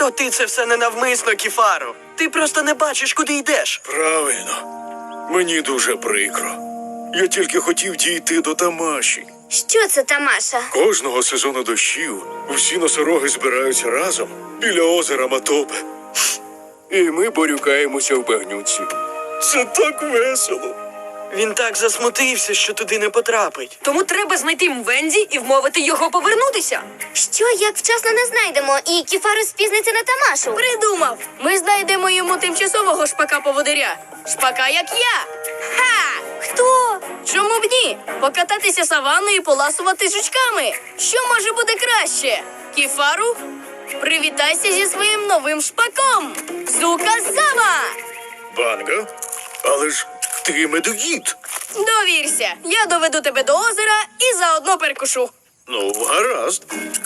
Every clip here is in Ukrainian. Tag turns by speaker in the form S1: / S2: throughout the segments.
S1: То ти це все ненавмисно, Кіфаро. Ти просто не бачиш, куди йдеш.
S2: Правильно. Мені дуже прикро. Я тільки хотів дійти до Тамаші.
S3: Що це, Тамаша?
S2: Кожного сезону дощів всі носороги збираються разом біля озера Матопе. І ми борюкаємося в багнюці. Це так весело.
S1: Він так засмутився, що туди не потрапить.
S4: Тому треба знайти Мвензі і вмовити його повернутися.
S3: Що, як вчасно не знайдемо, і Кіфаро спізниться на Тамашу?
S4: Придумав! Ми знайдемо йому тимчасового шпака-поводиря. Шпака, як я. Ха!
S3: Хто?
S4: Чому б ні? Покататися саванною і поласувати жучками. Що може бути краще? Кіфару, привітайся зі своїм новим шпаком. Зуказама!
S2: Банга? Але ж ти медоїд.
S4: Довірся, я доведу тебе до озера і заодно перекушу.
S2: Ну, гаразд.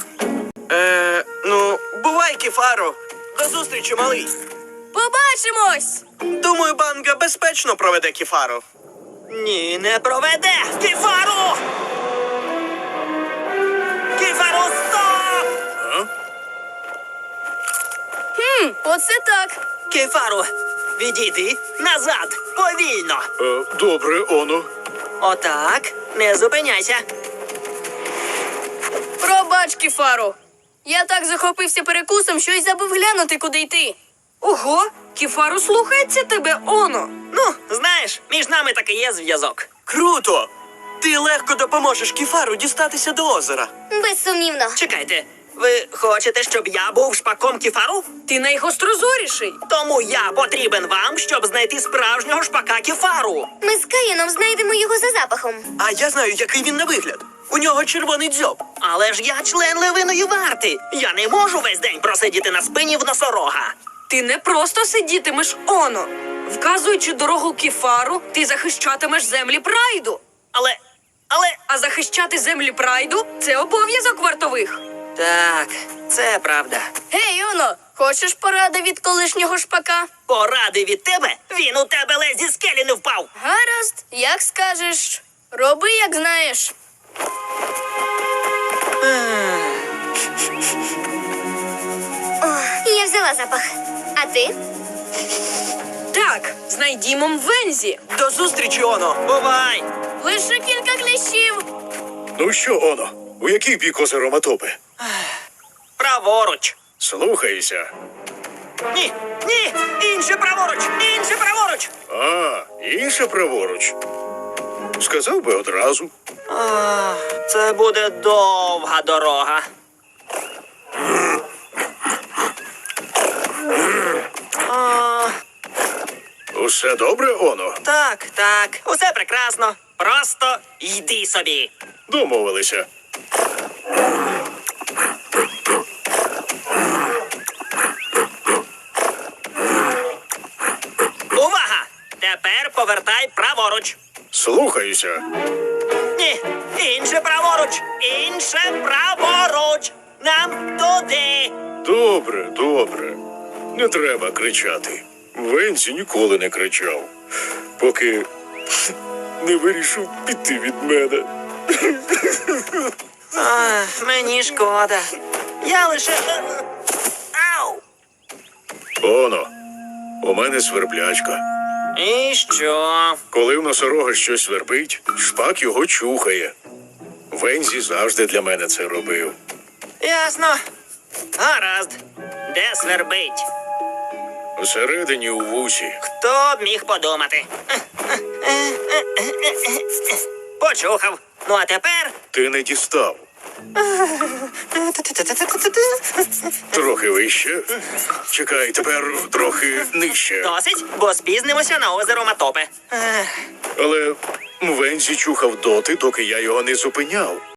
S1: Бувай, Кіфаро. До зустрічі, малий.
S4: Побачимось!
S1: Думаю, Банга безпечно проведе Кіфаро.
S5: Ні, не проведе! Кіфару! Кіфару, стоп!
S4: Оце так.
S5: Кіфару, відійди назад, повільно.
S2: Добре, Оно.
S5: Отак, не зупиняйся.
S4: Пробач, Кіфару. Я так захопився перекусом, що й забув глянути, куди йти. Ого, Кіфару слухається тебе, Оно.
S5: Ну, знаєш, між нами таки є зв'язок.
S1: Круто! Ти легко допоможеш Кіфару дістатися до озера.
S3: Безсумнівно.
S5: Чекайте, ви хочете, щоб я був шпаком Кіфару?
S4: Ти найгострозоріший.
S5: Тому я потрібен вам, щоб знайти справжнього шпака Кіфару.
S3: Ми з Каїном знайдемо його за запахом.
S1: А я знаю, який він на вигляд. У нього червоний дзьоб.
S5: Але ж я член левиної варти. Я не можу весь день просидіти на спині в носорога.
S4: Ти не просто сидітимеш, Оно. Вказуючи дорогу Кіфару, ти захищатимеш землі Прайду.
S5: Але...
S4: А захищати землі Прайду – це обов'язок вартових.
S5: Так, це правда.
S4: Гей, Оно, хочеш поради від колишнього шпака?
S5: Поради від тебе? Він у тебе ледь зі скелі не впав.
S4: Гаразд, як скажеш. Роби, як знаєш.
S3: Я взяла запах. А ти?
S4: Так, знайдімо Мвензі.
S1: До зустрічі, Оно.
S5: Бувай!
S4: Лише кілька кліщів.
S2: Ну що, Оно, у який бік озера Матопе?
S5: Праворуч.
S2: Слухайся.
S5: Ні, ні, інше праворуч, інше праворуч.
S2: А, інше праворуч. Сказав би одразу.
S5: Це буде довга дорога.
S2: Усе добре, Оно?
S5: Так, так, усе прекрасно. Просто йди собі.
S2: Домовилися.
S5: Увага! Тепер повертай праворуч.
S2: Слухаюся.
S5: Ні, інше праворуч, інше праворуч. Нам туди.
S2: Добре, добре. Не треба кричати. Венці ніколи не кричав, поки не вирішив піти від мене.
S5: Мені шкода. Я лише... Ау!
S2: Оно, у мене сверблячка.
S5: І що?
S2: Коли в носорога щось свербить, шпак його чухає. Вензі завжди для мене це робив.
S5: Ясно. Гаразд. Де свербить?
S2: Усередині у вусі.
S5: Хто б міг подумати? Почухав. Ну а тепер...
S2: Ти не дістав. Трохи вище. Чекай, тепер трохи нижче.
S5: Досить, бо спізнимося на озеро Матопе.
S2: Але Вензі чухав доти, доки я його не зупиняв.